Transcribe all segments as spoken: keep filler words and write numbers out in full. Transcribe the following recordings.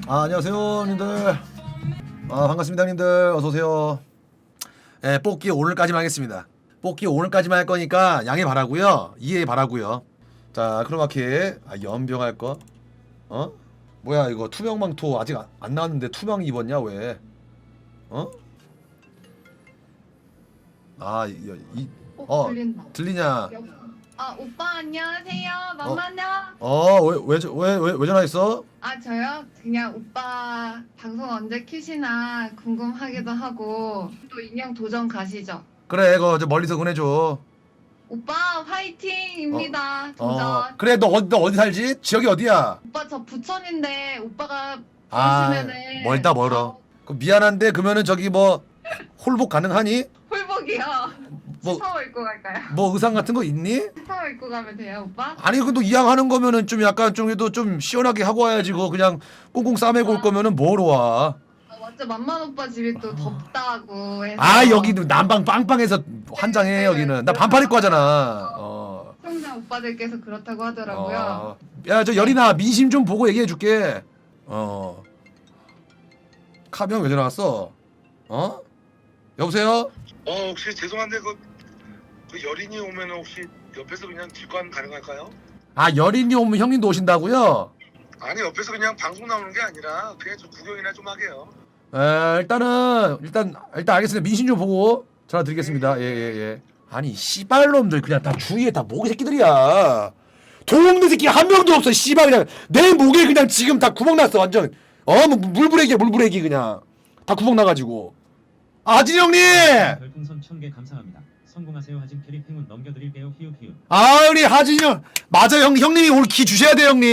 아, 안녕하세요, 형님들. 아, 반갑습니다, 형님들. 어서 오세요. 예, 뽑기 오늘까지만 하겠습니다. 뽑기 오늘까지만 할 거니까 양해 바라고요. 이해 바라고요. 자, 크로마키. 아, 연병할 거. 어? 뭐야, 이거 투명망토 아직 안, 안 나왔는데 투명 입었냐, 왜? 어? 아, 이, 이 어, 들린다. 들리냐? 아 오빠 안녕하세요. 만만요. 어, 왜, 왜, 저- 왜, 왜, 왜 전화했어? 아 저요? 그냥 오빠 방송 언제 키시나 궁금하기도 하고 또 인형 도전 가시죠? 그래, 그거 저 멀리서 보내줘. 오빠 화이팅입니다. 도전. 어, 그래, 너 어디, 너 어디 살지? 지역이 어디야? 오빠 저 부천인데 오빠가 아, 부르시면은 멀다 멀어. 그 미안한데 그러면은 저기 뭐 홀복 가능하니? 홀복이요. 뭐- 스타워 입고 갈까요? 뭐 의상 같은 거 있니? 스타워 입고 가면 돼요 오빠? 아니 그래도 이왕 하는 거면은 좀 약간 좀 그래도 좀 시원하게 하고 와야지. 그 그냥 꽁꽁 싸매고 올 거면은 뭐로 와? 아, 완전 만만 오빠 집이 또 덥다고 해서. 아, 여기도 난방 빵빵해서 환장해. 여기는 나 반팔 입고 하잖아. 어. 시청자 오빠들께서 그렇다고 하더라고요. 어. 야, 저 여린아 민심 좀 보고 얘기해 줄게. 어. 카병 왜 전화 왔어? 어? 여보세요? 어 혹시 죄송한데 그, 그 여린이 오면 혹시 옆에서 그냥 직관 가능할까요? 아, 여린이 오면 형님도 오신다고요? 아니 옆에서 그냥 방송 나오는 게 아니라 그냥 좀 구경이나 좀 하게요. 에, 일단은 일단 일단 알겠습니다. 민심 좀 보고 전화 드리겠습니다. 예, 예, 예. 아니 씨발놈들 그냥 다 주위에 다 모기 새끼들이야. 도움된 새끼 한 명도 없어. 씨발 그냥 내 목에 그냥 지금 다 구멍 났어. 완전 어뭐 물부레기야 물부레기 그냥 다 구멍 나가지고. 아진 형님. 별풍선 천 개 감사합니다. 성공하세요. 하진 캐리 행운 넘겨드릴게요. 히읗 히읗. 아 우리 하진 형 맞아 형 형님이 오늘 기 주셔야 돼 형님.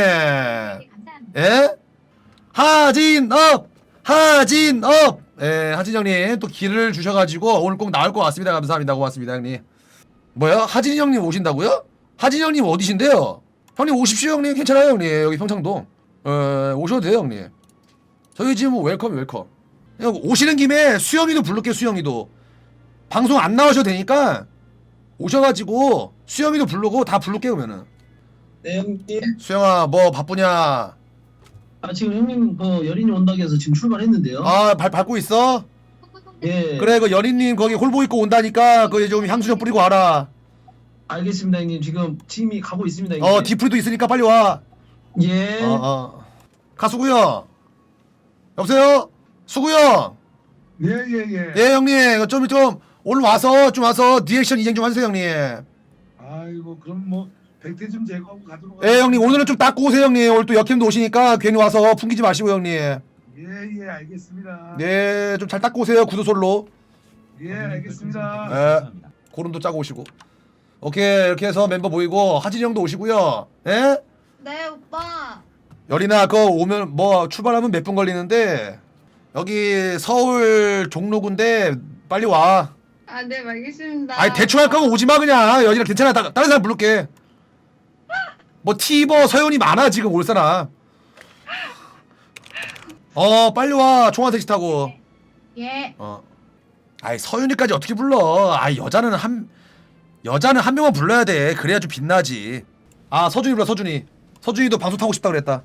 예? 하진업 하진업 예 하진 형님 또 기를 주셔가지고 오늘 꼭 나올 것 같습니다. 감사합니다. 고맙습니다 형님. 뭐야 하진 형님 오신다고요? 하진 형님 어디신데요? 형님 오십시오 형님. 괜찮아요 형님. 여기 평창동 어, 오셔도 돼요 형님. 저희 지금 뭐 웰컴 웰컴. 형 오시는 김에 수영이도 부를게. 수영이도 방송 안 나오셔도 되니까 오셔가지고 수영이도 부르고 다 부를게. 그러면은 네 형님. 수영아 뭐 바쁘냐? 아 지금 형님 그 여린이 온다고 해서 지금 출발했는데요. 아 발 밟고 있어? 예. 그래 그 연인님 거기 홀보 입고 온다니까 그 좀 향수 좀 뿌리고 와라. 알겠습니다 형님. 지금 팀이 가고 있습니다 형님. 어 디프리도 있으니까 빨리 와. 예. 어 어. 가수구요. 여보세요? 수구요. 예예예. 예 형님 좀 좀 오늘 와서 좀 와서 리액션 인증 좀 하세요 형님. 아이고 그럼 뭐 백태 좀 제거하고 가도록. 예 형님 오늘은 좀 닦고 오세요 형님. 오늘 또 역캠도 오시니까 괜히 와서 풍기지 마시고 형님. 예예 알겠습니다. 네 좀 잘 닦고 오세요 구두솔로. 예 알겠습니다. 예. 감사합니다. 고름도 짜고 오시고. 오케이 이렇게 해서 멤버 모이고 하진이 형도 오시고요. 예? 네 오빠. 여리나 그거 오면 뭐 출발하면 몇 분 걸리는데 여기 서울 종로구인데 빨리 와. 아 네 알겠습니다. 아니 대충 할 거면 오지 마 그냥. 여기는 괜찮아. 다, 다른 사람 부를게. 뭐 티버 서현이 많아 지금 올 사람. 어 빨리 와. 총알택시 타고. 예. 어. 아이 서윤이까지 어떻게 불러? 아이 여자는 한 여자는 한 명만 불러야 돼. 그래야 좀 빛나지. 아 서준이 불러. 서준이. 서준이도 방송 타고 싶다 그랬다.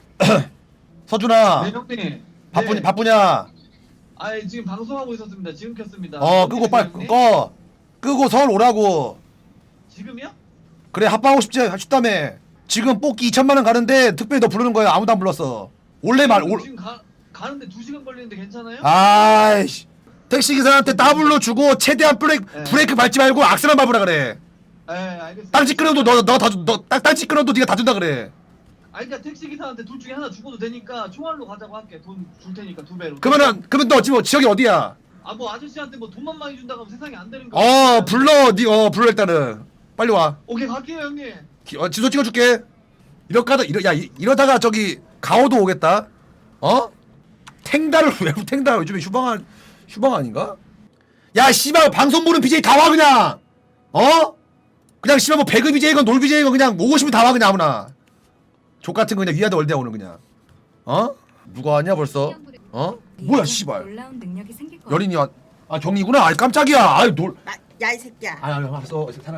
서준아 네 형님. 바쁘 네. 바쁘냐? 아 지금 방송하고 있었습니다. 지금 켰습니다. 어 끄고 빨리 형님? 꺼. 끄고 서울 오라고. 지금이요? 그래 합방하고 싶지 싶다며. 지금 뽑기 이천만 원 가는데 특별히 너 부르는 거야. 아무도 안 불렀어. 원래 말 올. 지금 가 가는데 두 시간 걸리는데 괜찮아요? 아이씨. 택시 기사한테 따블로 주고 최대한 브레이크 네. 브레이크 밟지 말고 악셀만 밟으라 그래. 네 알겠습니다. 땅치 끊어도 너너다너 땅치 끊어도 네가 다 준다 그래. 아 그러니까 택시 기사한테 둘 중에 하나 죽어도 되니까 총알로 가자고 할게. 돈 줄 테니까 두 배로. 그러면은 그러면 너 지금 지역이 어디야? 아 뭐 아저씨한테 뭐 돈만 많이 준다고 하면 세상에 안 되는 거. 어 불러 니어 불러 일단은 빨리 와. 오케이 갈게요 형님. 기, 어, 지도 찍어줄게. 이러다가 이러 야 이, 이러다가 저기 가오도 오겠다. 어? 탱다를 왜 탱다 요즘에 휴방 휴방 아닌가? 야 씨발 방송 보는 비제이 다 와 그냥. 어? 그냥 씨발 뭐 배그 비제이건 놀 비제이건 그냥 오고 싶으면 다 와 그냥 아무나. 족 같은 거 그냥 위아더 월대 오늘 그냥. 어? 누가 왔냐 벌써? 어? 뭐야 씨발. 놀라운 능력이 생길 거야. 여린이 왔. 아 경이구나. 아 깜짝이야. 아이 놀. 야 이 새끼야. 아 알았어. 편하게.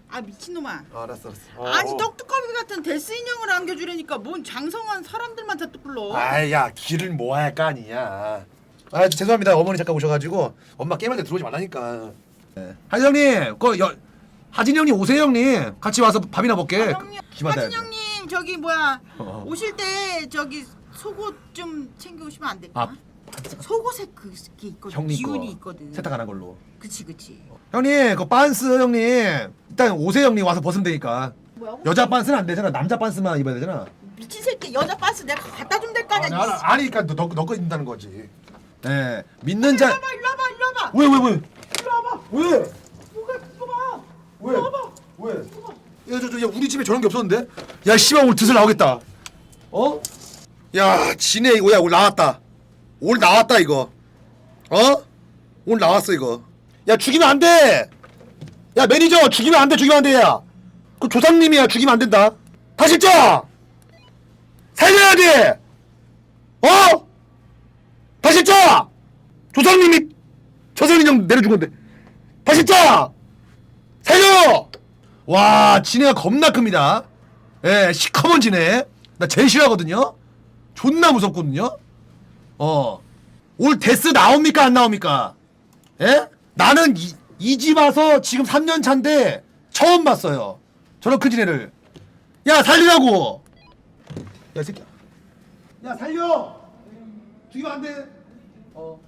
아 미친놈아. 아, 알았어 알았어. 아니 떡두꺼비 같은 데스 인형을 안겨주려니까 뭔 장성한 사람들만 다 불러. 아야 길을 모아야 할 거 아니냐. 아 죄송합니다 어머니 잠깐 오셔가지고 엄마 게임할 때 들어오지 말라니까. 네. 하진 형님 그 여, 하진 형님 오세요 형님 같이 와서 밥이나 먹게. 아, 형님, 기마다. 하진 형님 저기 뭐야 어. 오실 때 저기 속옷 좀 챙겨오시면 안 될까? 아, 속옷에 그게 있거든. 형님 기운이 거 있거든. 세탁 안 한 걸로. 그치 그치. 형님 그 반스 형님 일단 오세요 형님 와서 벗으면 되니까. 뭐야? 여자 반스는 안 되잖아. 남자 반스만 입어야 되잖아. 미친 새끼 여자 바스 내가 갖다 주면 될 거 아니야. 아니, 아니 그러니까 너너거 입는다는 거지. 네 믿는 자. 일로 와봐 일로 와봐 일로 와봐. 왜 왜 왜? 일로 와봐. 왜? 뭐가 이거 봐. 왜? 일로 와봐. 왜? 야, 저, 저, 야, 우리 집에 저런 게 없었는데? 야, 씨발, 오늘 드슬 나오겠다. 어? 야, 지네, 이거, 야, 오늘 나왔다. 오늘 나왔다, 이거. 어? 오늘 나왔어, 이거. 야, 죽이면 안 돼! 야, 매니저, 죽이면 안 돼, 죽이면 안 돼, 야. 그 조상님이야, 죽이면 안 된다. 다실자! 살려야 돼! 어? 다실자! 조상님이, 조상인형 내려준 건데. 다실자! 살려! 와 지네가 겁나 큽니다. 예 시커먼 지네. 나 제일 싫어하거든요. 존나 무섭거든요. 어 올 데스 나옵니까 안 나옵니까? 예? 나는 이 집 와서 지금 삼 년 차인데 처음 봤어요. 저런 큰 지네를. 야 살리라고. 야 이 새끼야. 야 살려. 죽이면 안 돼. 어.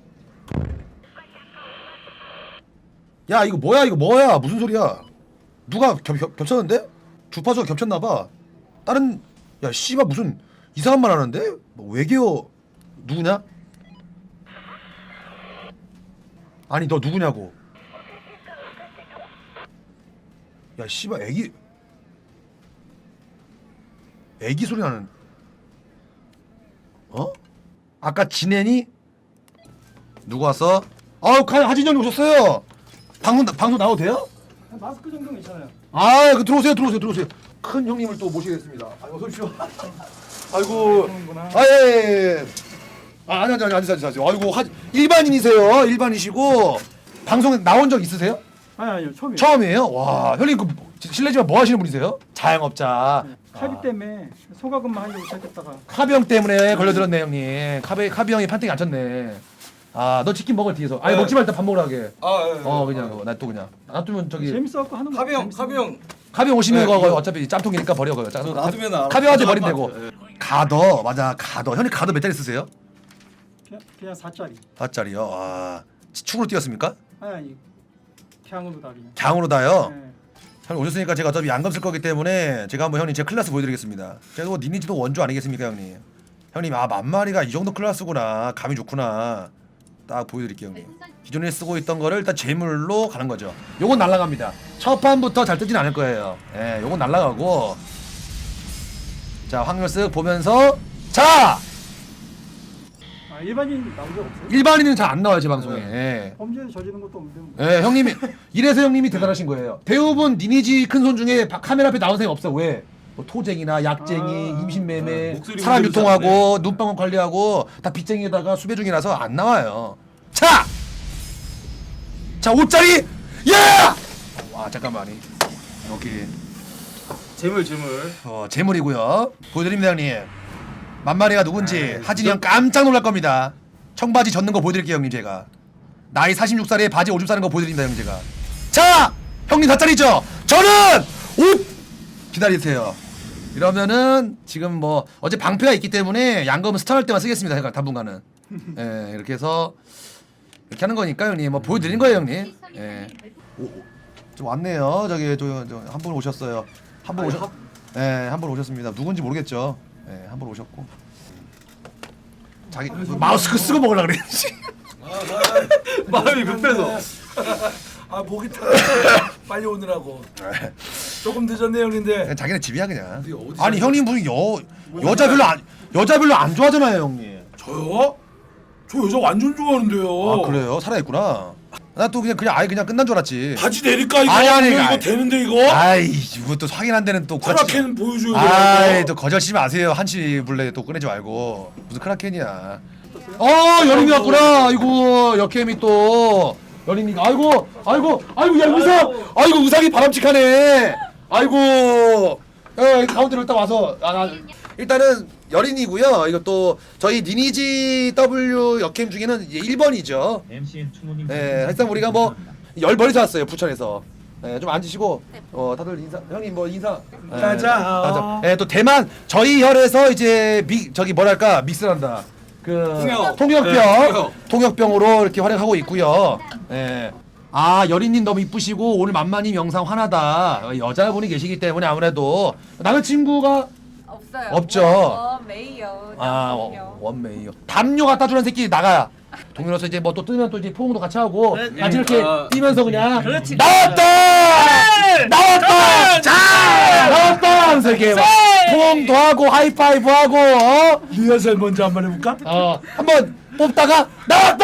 야 이거 뭐야 이거 뭐야 무슨 소리야? 누가 겹, 겹, 겹쳤는데? 주파수가 겹쳤나봐. 다른 야 씨발 무슨 이상한 말 하는데? 뭐 외계어 누구냐? 아니 너 누구냐고. 야 씨발 애기 애기 소리 나는. 어? 아까 지낸이 누구 왔어? 아우 하진 형님 오셨어요. 방송 방송 나와도 돼요? 마스크 정도는 괜찮아요. 아, 그 들어오세요, 들어오세요, 들어오세요. 큰 형님을 또 모시겠습니다. 아이고, 어서 오십시오. 아이고, 아, 예, 예. 아, 아니, 아니, 아니, 앉으세요, 앉으세요. 아이고, 하, 일반인이세요, 일반이시고. 방송에 나온 적 있으세요? 아니 아니요 처음이에요. 처음이에요? 와, 형님, 그, 실례지만 뭐 하시는 분이세요? 자영업자. 차비 아, 때문에 소가금만 하려고 시작했다가 카비형 때문에 걸려들었네, 형님. 카비, 카비형이 판때기 안 쳤네. 아, 너 치킨 먹을 뒤에서. 아니, 네. 먹지 말고 밥 먹으라 하게. 아, 예, 예. 어, 그냥, 나 또 그냥. 놔두면 저기. 재밌어갖고 하는 거. 카비 형, 카비 형. 카비형 오시면 네, 이거 이거. 어차피 짬통이니까 버려, 그거. 짬- 저 놔두면 알아. 카비형한테 버리면 되고. 예. 가더 맞아 가더 형님 가더 몇 짜리 쓰세요? 그냥, 그냥 사짜리. 사짜리요. 아 축으로 뛰었습니까? 아니 아니 갱으로 다 그냥. 강으로 다요. 네. 형님 오셨으니까 제가 어차피 양감 쓸 거기 때문에 제가 한번 형님 제 클래스 보여드리겠습니다. 제가 뭐 니니지도 원조 아니겠습니까 형님? 형님 아 만마리가 이 정도 클래스구나 감이 좋구나 딱 보여드릴게요 형님. 기존에 쓰고 있던 거를 일단 재물로 가는 거죠. 요건 날라갑니다. 첫 판부터 잘 뜨진 않을 거예요. 예, 요건 날라가고 자 확률 쓱 보면서 자 아 일반인 나온 적 없어요? 일반인은 잘 안 나와요 제 방송에. 예. 범죄 저지른 것도 없는데. 뭐. 예, 형님이 이래서 형님이 대단하신 거예요. 대부분 니니지 큰 손 중에 바- 카메라 앞에 나온 사람이 없어. 왜? 뭐 토쟁이나 약쟁이, 아, 임신매매, 아, 목소리 사람 문제도 유통하고 눈방울 관리하고 다 빚쟁이에다가 수배 중이라서 안 나와요. 자, 자 오짜리, 야! 와 잠깐만이 여기 재물, 재물. 어 재물이고요. 보여드립니다 형님. 만마리가 누군지 하진이 형 깜짝 놀랄 겁니다. 청바지 젖는 거 보여드릴게요 형님 제가. 나이 사십육 살에 바지 오줌 싸는 거 보여드립니다 형님 제가. 자 형님 사짜리죠. 저는 옷 기다리세요. 이러면은 지금 뭐 어제 방패가 있기 때문에 양검은 스타할 때만 쓰겠습니다. 제가 당분간은. 예 이렇게 해서 이렇게 하는 거니까 형님 뭐 보여드린 거예요 형님. 예. 오, 오, 좀 왔네요. 저기 저한 분 오셨어요. 한 분 오셨. 예, 한 분 오셨습니다. 누군지 모르겠죠. 예, 한 분 오셨고. 자기 마스크 쓰고 먹으려 그랬지. 마음이 급해서. 아 목이 타. 빨리 오느라고. 조금 늦었네 형님데. 그냥 자기네 집이야 그냥. 어디, 어디 아니 살죠? 형님 무슨 여 여자 별로 안 여자 별로 안 좋아하잖아요 형님. 저요? 저 여자 완전 좋아하는데요. 아 그래요? 살아있구나. 나 또 그냥 그냥 아예 그냥 끝난 줄 알았지. 바지 내릴까 이거? 아니, 아니, 이거 아니. 되는데 이거? 아이 이거 또 확인한 데는 또 크라켄 보여줘야 아이 돼요. 또 거절치지 마세요. 한시 블레 또 꺼내지 말고 무슨 크라켄이야. 어 여름이 왔구나. 아이고 역캠이 또 여린이가 아이고 아이고 아이고 야 우상 아이고 우상이 바람직하네. 아이고 어, 가운데로 일단 와서 아, 아, 일단은 여린이고요. 이것도 저희 니니지 더블유 역캠 중에는 이제 일 번이죠. 엠씨엔 충무님. 네, 사실상 우리가 뭐 열 벌이서 왔어요 부천에서. 네, 좀 앉으시고 어 다들 인사 형님 뭐 인사. 네, 가자. 가자. 네, 또 대만 저희 혈에서 이제 미 저기 뭐랄까 믹스한다. 그 통역. 통역병 네, 통역. 통역병으로 이렇게 활약하고 있고요. 네. 아 여린님 너무 이쁘시고 오늘 만만히 영상 화나다 여자분이 계시기 때문에 아무래도 남자친구가 없어요. 없죠. 원 메이요. 아 어, 원메이요. 담요 갖다 주는 새끼 나가. 동료로서 이제 뭐 또 뜨면 또 이제 포옹도 같이 하고 같이 이렇게 아, 뛰면서 그냥 그렇지. 나왔다 나왔다 자 나왔다 하면서 이렇게 막 포옹도 하고 하이파이브 하고 어? 리허설 먼저 한번 해볼까? 어 한번 뽑다가 나왔다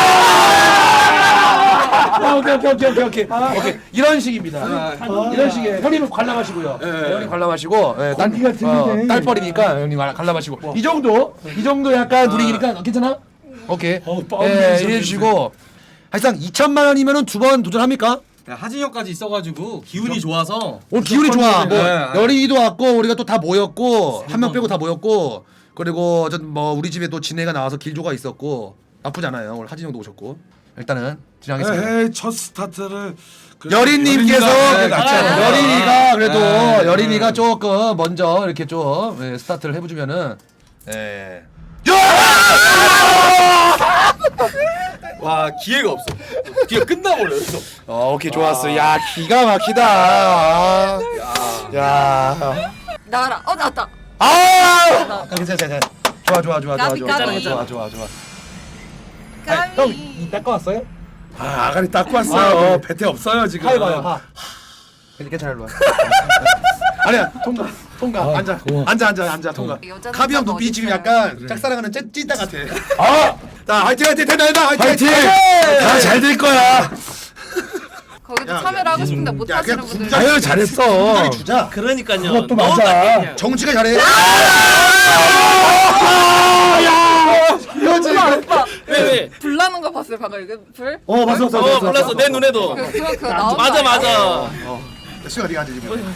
아, 오케이 오케이 오케이 오케이 오케이 오케이 이런 식입니다. 아, 이런 식의 형님은 관람하시고요. 네. 네, 형님 관람하시고 네, 딸, 공기가 틀리네. 어, 딸뻘이니까 형님 관람하시고 이 정도 이 정도 약간 분위기니까 괜찮아? 오케이. 어, 예, 뻥이 이해해 있었는데. 주시고 사실상 이천만 원이면은 두 번 도전합니까? 하진혁까지 있어가지고 기운이 좋아서 오늘 기운이 좋아. 뭐 네. 여린이도 왔고 우리가 또 다 모였고 한 명 빼고 다 모였고 그리고 뭐 우리 집에 또 진해가 나와서 길조가 있었고 나쁘지 않아요. 오늘 하진영도 오셨고 일단은 진행하겠습니다. 에이 첫 스타트를 그래도 여린님께서 여린이가 그- 낫지 않아요? 여린이가 그래도 네. 여린이가 조금 먼저 이렇게 좀 예, 스타트를 해주면은 예. 와 기회가 없어. 기회 끝나버려 여기서. 어 오케이 좋았어. 야 기가 막히다. 야. 나가라. 어 나왔다. 아. 괜찮아 괜찮아. 좋아 좋아 좋아 좋아 까비, 좋아 까비. 좋아 좋아 좋아. 까비. 형이 닦아 왔어요? 아 아가리 닦고 왔어요. 배태 없어요 지금. 하이봐요 하. 괜찮아 일로 와. 아니야 통과 통과 앉아 앉아 앉아 앉아 통과. 여자는 카비 형 또 눈빛이 지금 어딨어요? 약간 짝사랑하는 찐 찐따 같아. 아 자 화이팅 화이팅 된다 된다 화이팅 파이팅. 화이팅. 다 잘 될 거야. 거기도 야, 참여를 하고 싶은데 못 야, 하시는 그냥 분들. 군자- 아유 잘했어. 빨리 주자. 그러니까요. 그것도 맞아. 정치가 잘해. 오빠 오빠 왜 왜? 불 나는 거 봤어요 방금 이거 불? 어 봤어 봤어. 어 몰랐어 내 눈에도. 그 그거 그거 나온 맞아 거 아니에요? 맞아. 수가 네가 앉아 지금.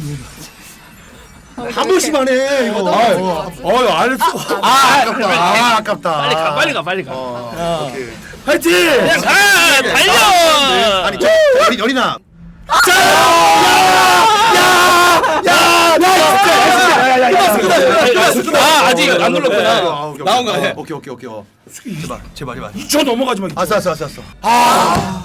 한 번씩만 해 이거. 어유 알았어. 아 아깝다. 아 아깝다. 빨리 가 빨리 가 빨리 가. 어, 오케이. 파이팅. 그냥 가 달려. 아니 저 여리 여리나. 아 아직 안 눌렀구나. 나온 거 아니야? 오케이 오케이 오케이. 어. 제발 제발 제발. 저 넘어가지 마. 알았어 알았어 알았어. 아.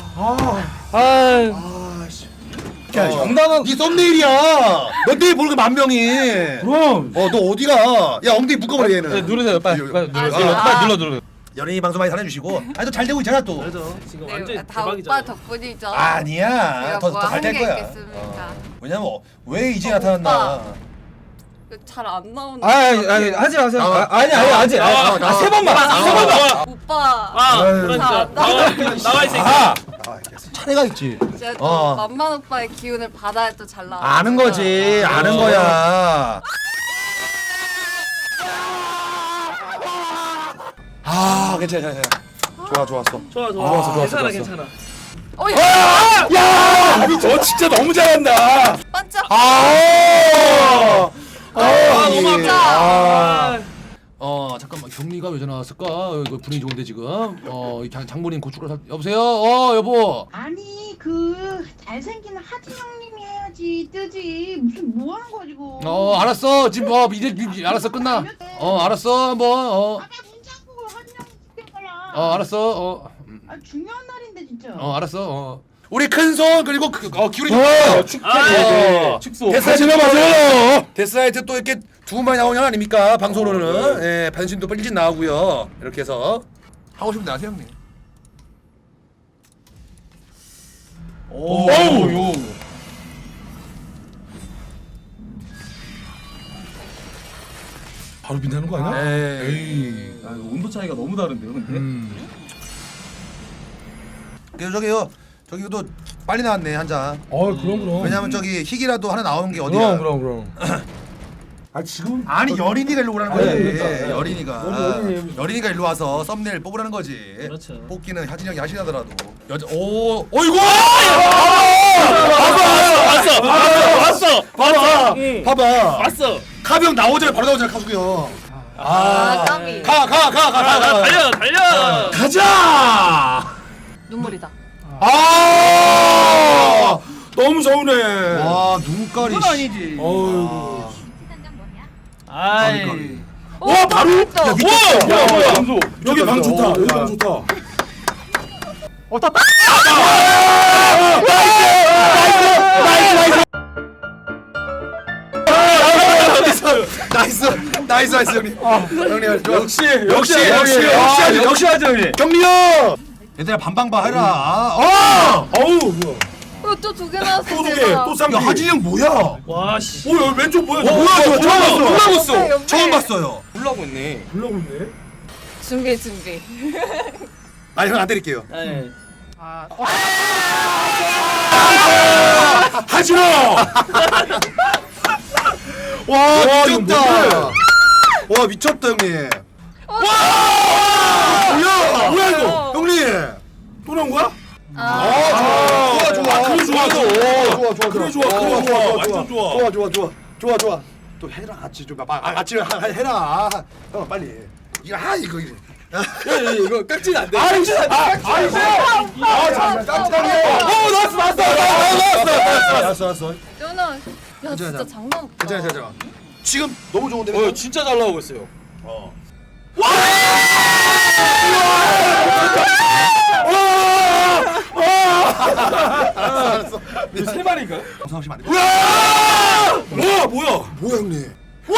야, 정당한. 네 썸네일이야. 너 내일 보는 거만 명이. 그럼. 어, 너 어디가? 야, 엉덩이 묶어버려 얘는. 누르세요 빨리. 빨리 아, 눌러. 아. 빨리 눌러 눌러. 연예인 방송 많이 사랑해주시고. 아니, 또 잘 되고 있잖아 또. 지금 네, 다 오빠 덕분이죠. 아니야. 제가 더 뭐 더 잘 될 하는 게 거야. 있겠습니까? 어. 왜냐면 어, 왜 이제 어, 나타났나? 잘 안 나오는. 아니 아니 하지 마세요. 나와. 아, 아니 아니 아직. 나와, 나와. 세 번만. 세 번만. 오빠. 아 아유. 그러니까 자, 나와 나와 이 새끼. 아, 아, 차례가 있지. 제가 또 어. 만만 오빠의 기운을 받아야 또 잘 나와. 아는 거지. 아는 어. 거야. 아, 괜찮아, 괜찮아. 좋아, 좋았어. 좋아 좋아. 좋았어, 좋았어, 괜찮아 좋았어. 괜찮아. 어, 야, 야, 너 진짜 너무 잘한다. 반짝. 아, 아, 예. 너무 진짜. 아. 어, 잠깐만 경리가 왜 전화 왔을까? 어, 이거 분위기 좋은데 지금. 어, 이 장, 장모님 고춧가루 사... 여보세요. 어, 여보. 아니 그 잘생긴 하진영님이 해야지 뜨지 무슨 뭐 하는 거야 지금. 어, 알았어. 지금 어, 이제 이제 알았어 끝나. 어, 알았어. 한번 어, 아까 문자 보고 하진영 시켜봐라. 어, 알았어. 어, 아 중요한 날인데 진짜. 어, 알았어. 어. 우리 큰 손 그리고 그, 어, 기울이 좀. 아, 축소. 데스라이트 맞아요. 데스라이트 또 이렇게 두 번만이 나오는 거 아닙니까? 방송으로는. 예, 변신도 일찍 나오고요. 이렇게 해서 하고 싶은데 하세요, 형님. 오. 오. 바로 빛나는 거 아니야? 에이. 아, 이거 온도 차이가 너무 다른데요, 근데. 음. 그래서 저기요. 저기도 빨리 나왔네 한 잔. 어, 그럼 그럼. 왜냐면 저기 희기라도 하나 나오는 게 어디야? 그럼 그럼 그럼. 아 지금 아니 여린이가 일로 오라는 아니, 거지. 그러니까. 여린이가. 여린이. 여린이가 일로 와서 썸네일 뽑으라는 거지. 그렇죠. 뽑기는 하진영이 하시더라도. 여자 오 어이구 왔어 왔어 왔어 봐봐 응. 봐봐 왔어. 카비 형 나오잖아 바로 나오잖아 카수기 형. 아, 까비. 가 가 가 가 가 가 달려 달려. 가자. 눈물이다. 아 너무 서운해. 와 눈깔이. 그건 아니지. 어이구. 아이. 와 바로. 야 미쳤다. 뭐야 뭐야. 점수. 여기 방 좋다. 여기 방 좋다. 어, 다 나이스 나이스 나이스 형님. 형님 좋아. 역시 역시 역시 역시 역시 역시 하죠 형님. 경리 형. 얘들아 반방바 해라. 어. 어우 뭐야. 어, 또 두 개 나왔어. 또 두 개. 대박. 또 쌍기. 야 하진이 형 뭐야? 와 씨. 뭐야 왼쪽 뭐야? 어, 뭐야 저 처음 봤어. 옆에, 몰라봤어. 옆에. 처음 봤어요. 불나고 있네. 불나고 있네. 준비 준비. 아니 형 안 때릴게요. 네. 하지마. 와 미쳤다. 와 미쳤다 형님. 와. 뭐야 뭐야 이거 어. 형님. 또 나온 거야? 아. 좋아 좋아 아, 그래, 좋아, 좋아. 좋아 좋아 그래, 좋아, 그래, 좋아. 완전 좋아. 좋아 좋아 좋아 좋아 좋아 또 해라 같이 좀 아, 같이 하- 해라 형 빨리 이거 하 이거 이거 이거 깍지는 안 돼. 아 이거 아 이거 아 깜짝이야 어 나왔어 나왔어 나왔어 나왔어 나왔어 저는 야 괜찮아, 진짜 괜찮아. 장난 없다. 괜찮아 괜찮아 지금 너무 좋은데 어 진짜 잘 나오고 있어요. 알았어 이거 세 마리인가요? 감사하시면 안돼 뭐야 뭐야? 뭐야 형님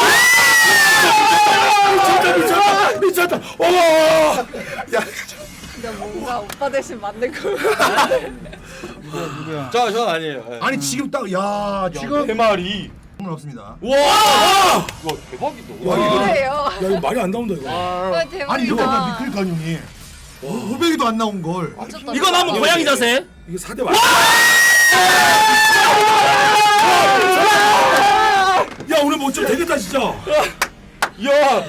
미쳤다 미쳤다 미쳤다. 와. 야 근데 뭔가 오빠 대신 만든 거. 저 전 아니에요. 네. 아니 지금 딱 야 지금 네 마리. 물 없습니다 와. 와 대박이다. 와 이거 뭐예요? 야 이거 말이 안 나온다 이거. 와 대박이다. 아니 이거 미끌까 형님 오백이도 안 나온 걸 미쳤다. 이건 한번 고양이 자세. 이게 사대 말. 야 오늘 뭐 좀 되겠다 진짜. 야.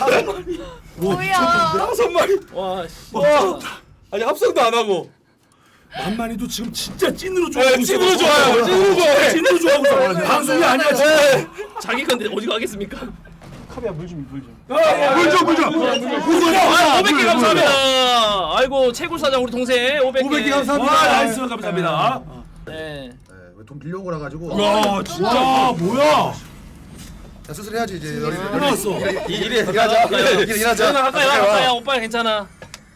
뭐야? 다섯 마리. 와 씨. 와. 아니 합성도 안 하고. 만만이도 지금 진짜 찐으로 좋아하고 네, 찐으로 좋아요. 찐으로 좋아해. 찐으로 좋아하고 있어. 방송이 아니야 지금. 네. 자기 건데 어디 가겠습니까? 물줘 물줘 아, 오백 개 감사합니다. 아이고 채굴 사장 우리 동생 오백 개. 오백 개 감사합니다. 와 나이스 감사합니다. 네. 돈 빌려온 거라 가지고 야 진짜 뭐야? 자 수술 해야지 이제 여기 또 나왔어. 이 일에 일하자. 일- 일하자. 저는 가까이 와 가까이 와 오빠 괜찮아.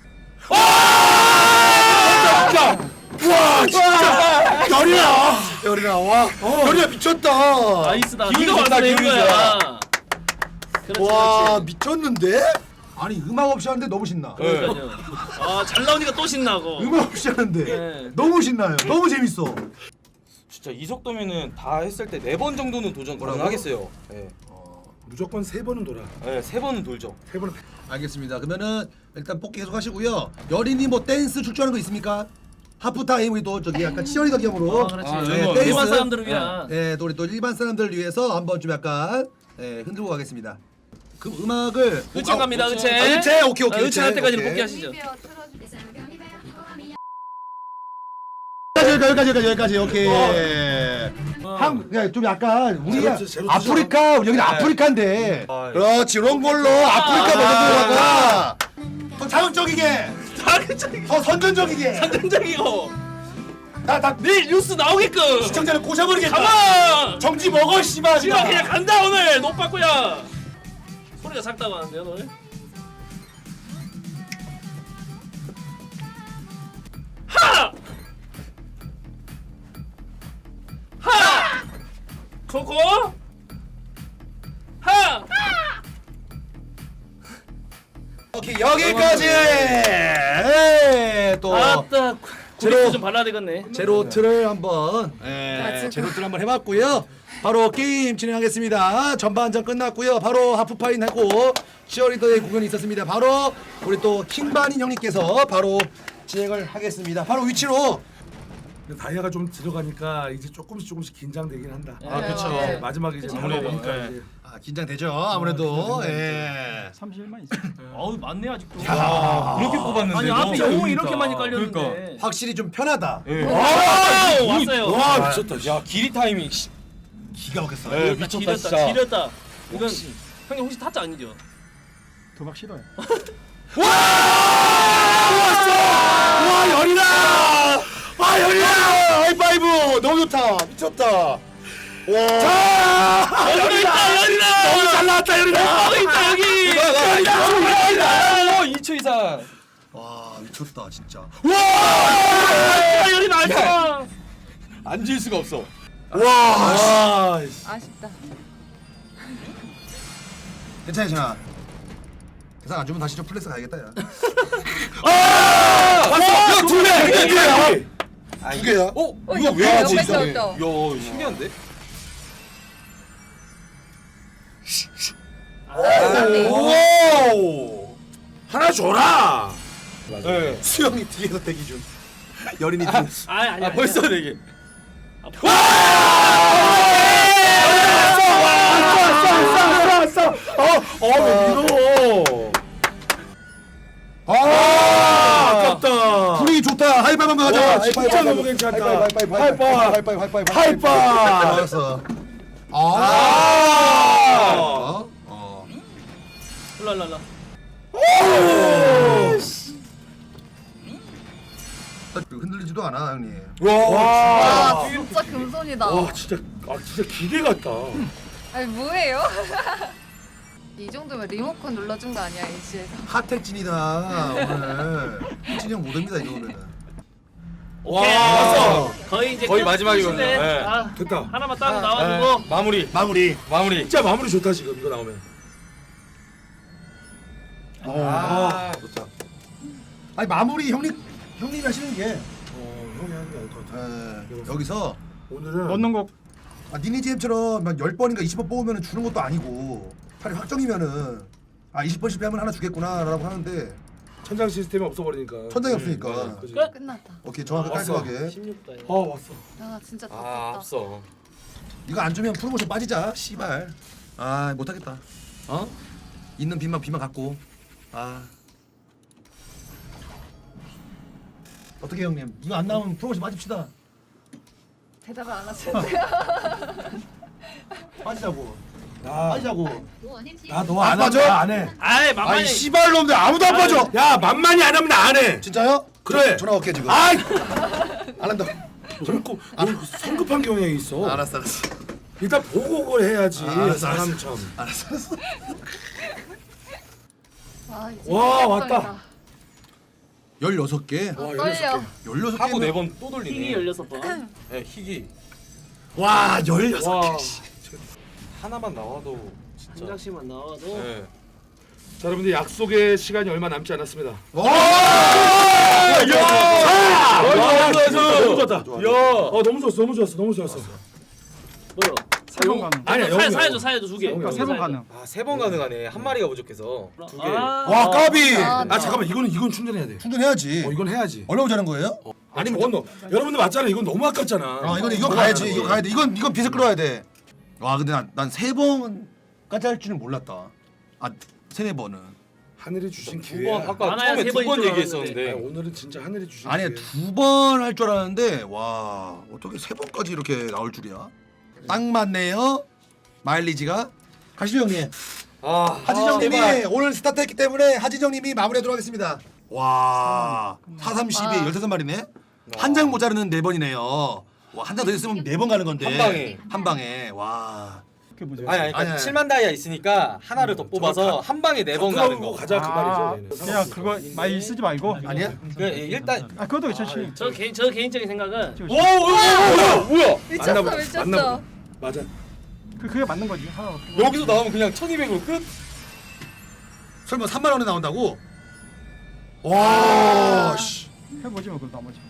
와 진짜 열이야. 열이나 와 열이나 미쳤다 나이스다. 기운이 네가 좋다, 와서 낸 기운이 거야. 그렇지 와 그렇지. 미쳤는데 아니 음악 없이 하는데 너무 신나 그러니까요. 아잘 나오니까 또 신나고. 음악 없이 하는데 네. 너무 신나요 너무 재밌어 진짜 이 속도면은 다 했을 때 네 번 정도는 도전 뭐라고? 가능하겠어요. 네. 무조건 세 번은 돌아. 네, 세 번은 돌죠. 세 번은. 알겠습니다 그러면은 일단 뽑기 계속 하시고요 여린이 뭐 댄스 출전하는 거 있습니까? 하프타임 우리 또 저기 약간 치어리더 겸으로 아 그렇지. 아, 네, 네, 일반 댄스. 사람들을 위한. 예, 또 우리 또 일반 사람들을 위해서 한번 좀 약간 예, 흔들고 가겠습니다 그 음악을 의체 갑니다 아, 의체. 의체 오케이 오케이 의체 할 때까지는 오케이. 복귀하시죠. 여기까지 여기까지 여기까지 여기까지 오케이 어. 한 그냥 좀 약간 우리가 제로, 제로 아프리카 여기는 아프리카인데 아, 그렇지 이런 걸로 아프리카 버전 들어가 더 자극적이게 자극적이고 더 선전적이게 선정적이고. 나나 내일 뉴스 나오게끔. 시청자를 꼬셔버리겠다 가만. 정지 먹어 씨발 지금 그냥 간다 오늘 노빠꾸야. 소리가 작다고 하는데요 오늘. 하! 하! 코코? 하! 오케이 여기까지 예, 또 아따 제로. 구리도 좀 발라야 되겠네. 제로트를 한번 예, 맞아. 제로트를 한번 해봤고요 바로 게임 진행하겠습니다 전반전 끝났고요 바로 하프파인 하고 치어리더의 공연이 있었습니다 바로 우리 또 킹반인 형님께서 바로 진행을 하겠습니다 바로 위치로 근데 다이아가 좀 들어가니까 이제 조금씩 조금씩 긴장되긴 한다. 아, 그쵸. 네, 마지막에 이제 그쵸. 바로 보니까 네. 이제 아, 긴장되죠. 아무래도. 예. 삼십일만 있어. 어우 많네 아직도. 야, 그렇게 뽑았는데. 아니 앞에 영웅이 이렇게 많이 깔렸는데. 그러니까. 확실히 좀 편하다. 예. 아, 왔어요. 와, 미쳤다. 야, 길이 타이밍. 씨. 기가 막혔어. 네, 지렸다, 미쳤다, 지렸다, 진짜. 지렸다. 이건 혹시. 형님 혹시 타짜 아니죠? 도박 싫어요. 와, 열이다! 아, 열이다! 하이파이브! 너무 좋다. 미쳤다. 와. 자! 여기 있다, 열이다. 너무 잘 나왔다, 열이다! 여기 있다, 여기. 열이다! 이 초 이상. 와, 미쳤다, 진짜. 아, 열이 나왔어. 앉을 수가 없어. 와. 와. 아쉽다. 괜찮아, 괜찮아. 대상 안 주면 다시 좀 플렉스 가야겠다, 야. 아! 야, 두 개! 두 개야! 두 개야? 어? 어, 이거 왜 옆에 하지? 뺐어, 이거? 뺐어. 야, 신기한데? 오! 하나 줘라! 네. 수영이 뒤에서 대기 중. 여린이 뒤. 아, 아니, 아, 벌써 네 개. 아, 아깝다. 분위기 좋다. 하이파이브 한번 가자. 진짜 너무 괜찮다. 하이파이브, 하이파이브, 하이파이브, 하이파이브, 하이파이브. 알았어. 아. 어? 어. 일로 일로 일로. 흔들리지도 않아, 형님. 와, 진짜 금손이다. 와 진짜 아 진짜 기계 같다. 아니 뭐예요? 이 정도면 리모컨 눌러준 거 아니야 이씨에서? 핫택진이다 오늘. 찐이 형 못합니다 이 정도면은. 와. 왔어. 거의 이제 거의 끝- 마지막이거든요. 끝이네. 네. 아, 됐다. 하나만 딱 네. 나와주고. 마무리. 마무리. 마무리. 진짜 마무리 좋다 지금 이거 나오면. 아, 좋다. 아니 마무리 형님 형님이 하시는 게. 어 형이 하는 게 아닐 것 같아. 에, 여기서 오늘은 넣는 거 아, 니니지엠처럼 막 열 번인가 이십 번 뽑으면 주는 것도 아니고 팔이 확정이면은 아 이십 번 실패하면 하나 주겠구나 라고 하는데 천장 시스템이 없어버리니까. 천장이 없으니까. 음, 그지? 끝. 끝났다. 오케이 정확하게 왔어. 깔끔하게. 십육 단. 아 왔어. 아 진짜 다 아, 떴다. 앞서. 이거 안 주면 프로모션 빠지자 씨발. 아 못하겠다. 어? 있는 빚만 빚만 갖고. 아 어떻게 형님 이거 안 나오면 프로모션 빠집시다. 대답을 안 하시는데요? 빠지자고. 나 빠지자고. 나너 안 안 빠져? 하면 안 해. 아이 만만히. 아이 씨발 놈들 아무도 안 빠져. 야 만만히 안 하면 나 안 해. 진짜요? 그래. 전화 올게 지금. 아이 안 한다. 자꾸 너 성급한 경향이 있어. 알았어 알았어. 일단 보고 그걸 해야지. 아, 알았어, 사람 참. 알았어 알았어. 와, 이제 와, 끝났다. 왔다. 열여섯 개. 아, 와, 떨려. 열여섯 하고 개면 네 번 또 돌리네. 핑이 열여섯 번. 네, 희귀. 와 열여섯 와. 개. 씨. 하나만 나와도 한 진짜. 장씩만 나와도. 네. 자 여러분들 약속의 시간이 얼마 남지 않았습니다. 와! 야! 야! 너무 좋았다. 야. 어 너무 좋았어. 너무 좋았어. 너무 좋았어. 뭐요? 세번 가능. 아니야, 사, 영웅이야. 사야죠 사야죠 두 개. 영웅이야. 세 번 가능. 아, 세 번 가능하네. 한 마리가 부족해서. 두 개. 아, 와 까비. 아, 아 잠깐만 이거는 이건 충전해야 돼. 충전해야지. 어 이건 해야지. 얼마 모자란 거예요? 아니면 저건 너 여러분들 맞잖아. 이건 너무 아깝잖아. 아 이건 이거 가야지. 이거 가야 돼. 이건 이건 빚을 끌어야 돼. 와 근데 난 세 번까지 할 줄은 몰랐다. 아 세네 번은. 하늘이 주신 두 기회. 번 아까 많아야 처음에 세 두 번인 번 줄 얘기했었는데. 오늘은 진짜 하늘이 주신 아니 기회. 두 번 할 줄 알았는데 와 어떻게 세 번까지 이렇게 나올 줄이야? 딱 맞네요. 마일리지가. 가시죠 형님. 아, 하진정님이 제발. 오늘 스타트했기 때문에 하진정님이 마무리하도록 하겠습니다. 와 사, 삼, 십이 와. 열다섯 마리네. 한 장 모자르는 네 번이네요. 와 한 장 더 있으면 네 번 가는 건데. 한 방에. 한 방에. 와. 그게 뭐죠? 아니, 아니, 그러니까 아니, 아니. 칠만 다이아 있으니까 하나를 더 뽑아서 한 방에 네 번 가는 거. 가자 그 아, 말이죠. 저희는. 그냥 그거 많이 쓰지 말고. 아니야? 그 일단 아 그것도 괜찮지. 저 개인 저 개인적인 생각은 지금 오, 오, 오, 뭐야? 뭐야? 미쳤어 만나보- 미쳤어. 만나보- 맞아. 그 그게 맞는 거지. 하나 없고. 여기서 나오면 그냥 천이백으로 끝? 설마 삼만 원에 나온다고? 와 씨. 해보지 뭐 그럼 나머지.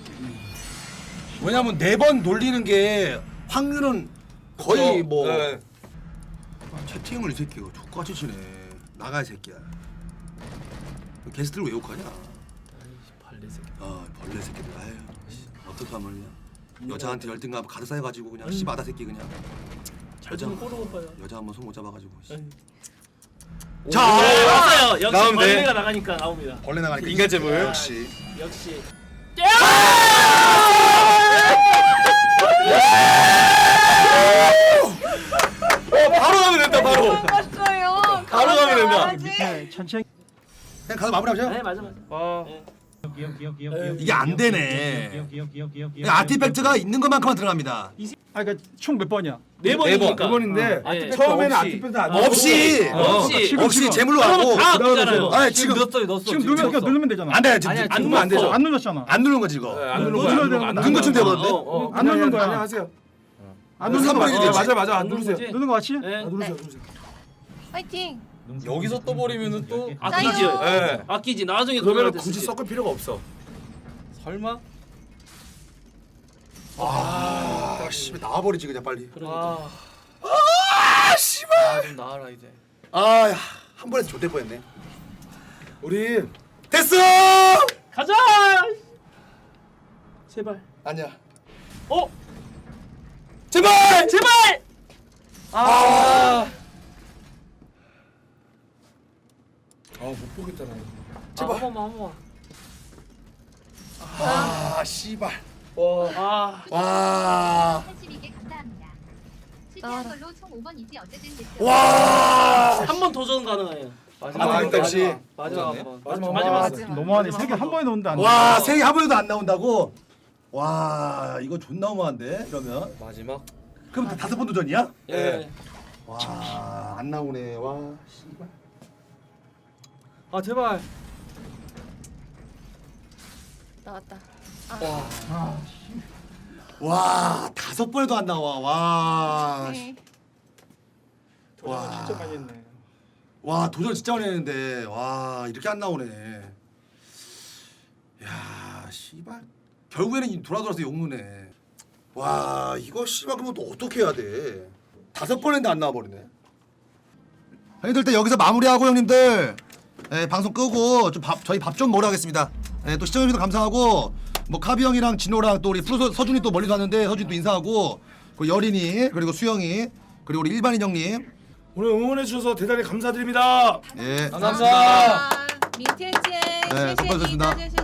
왜냐면 네 번 놀리는 게 확률은 거의 어, 뭐 네. 채팅을 이 새끼가 족같이 치네. 나가 이 새끼야. 게스트를 왜 욕하냐? 발레 새끼. 아 벌레 새끼들. 아유 어떡하면 그냥 여자한테 열등감 가득 쌓여가지고 그냥 씨바다 새끼 그냥. 여자 꼬르고 봐요. 여자 한번 손 못 잡아가지고. 씨. 자, 자, 나왔어요. 역시 나오면 돼. 벌레가 나가니까 나옵니다. 벌레 나가니까 인간 재물. 역시. 역시. 어 바로 가면 된다 바로. 맞어요. 바로 가면 된다. 밑에 천천히. 그냥 가서 마무리하자. 네, 맞아 맞아. 와. 기억 기억 기억 기억 이게 안 되네. 기억 기억 기억 기억 기억 아티팩트가 있는 것만큼만 들어갑니다. 아 그러니까 총 몇 번이야? 네 번이니까. 두 번인데 네. 처음에는 없이. 아티팩트 안 없이 넣고, 어, 없이. 지금, 없이 지금. 재물로 그러면 가고. 다 아끼잖아요. 아니 지금 넣었어요 넣었어. 지금 누르면 그러니까 누르면 되잖아. 안 돼. 지금 아니야, 안 지금 누르면 안 되죠. 안 눌렀잖아. 안 누르는 거지 이거. 안 누르는 너 거야. 눌러야 안 되는 누르는 거야. 눈 거치면 되거든요. 어, 어. 안 누르는 거야. 아니, 하세요. 안 누르는 삼 번이 거야. 되지. 맞아 맞아 안 안 누르는 누르세요. 거지? 누르는 거 같이? 네. 아, 누르세요 누르세요. 파이팅. 여기서 또 버리면은 또 아끼지. 예. 아끼지. 나중에 그러면 그거를 굳이 쓰지. 섞을 필요가 없어. 설마? 아, 씨, 나와버리지 그냥 빨리. 아. 아, 씨발. 아, 좀 나와라 이제. 아, 야, 한 번에 좆될 뻔했네. 우리 됐어. 가자. 제발. 아니야. 어? 제발. 제발. 아. 아못 보겠다 나. 제발. 한 번만 한 번만. 아, 씨발. 아. 와. 팔십이 개 감사합니다. 나와라. 실패한 걸로 총 오 번이지 어쨌든 됐죠. 와. 한 번 도전 가능해요. 마지막 역시. 마지막 한 번. 마지막 마지막. 마지막. 너무하네. 세 개 한 번에 넣는데 안 돼. 와, 세개 한 번에도 안 나온다고. 와, 이거 존나 너무한데. 이러면. 마지막. 그럼 다 다섯 번 도전이야? 예. 와, 안 나오네. 와, 씨발. 아 제발. 나왔다. 와. 와, 다섯 번에도 안 나와. 와. 네. 와. 진짜 많이 했네. 와, 도전 진짜 많이 했는데. 와, 이렇게 안 나오네. 야, 씨발. 결국에는 돌아 돌아서 욕무네. 와, 이거 씨발 그러면 또 어떻게 해야 돼? 다섯 번 했는데 안 나와 버리네. 형님들 일단 여기서 마무리하고 형님들 예, 방송 끄고 좀 밥 저희 밥 좀 먹으러 가겠습니다. 예, 또 시청해주셔서 감사하고 뭐 카비 형이랑 진호랑 또 우리 프로 서준이 또 멀리서 왔는데 서준이 또 인사하고 그 여린이 그리고 수영이 그리고 우리 일반인 형님 오늘 응원해 주셔서 대단히 감사드립니다. 예 감사합니다. 민티엔티엔 네, 수고하셨습니다.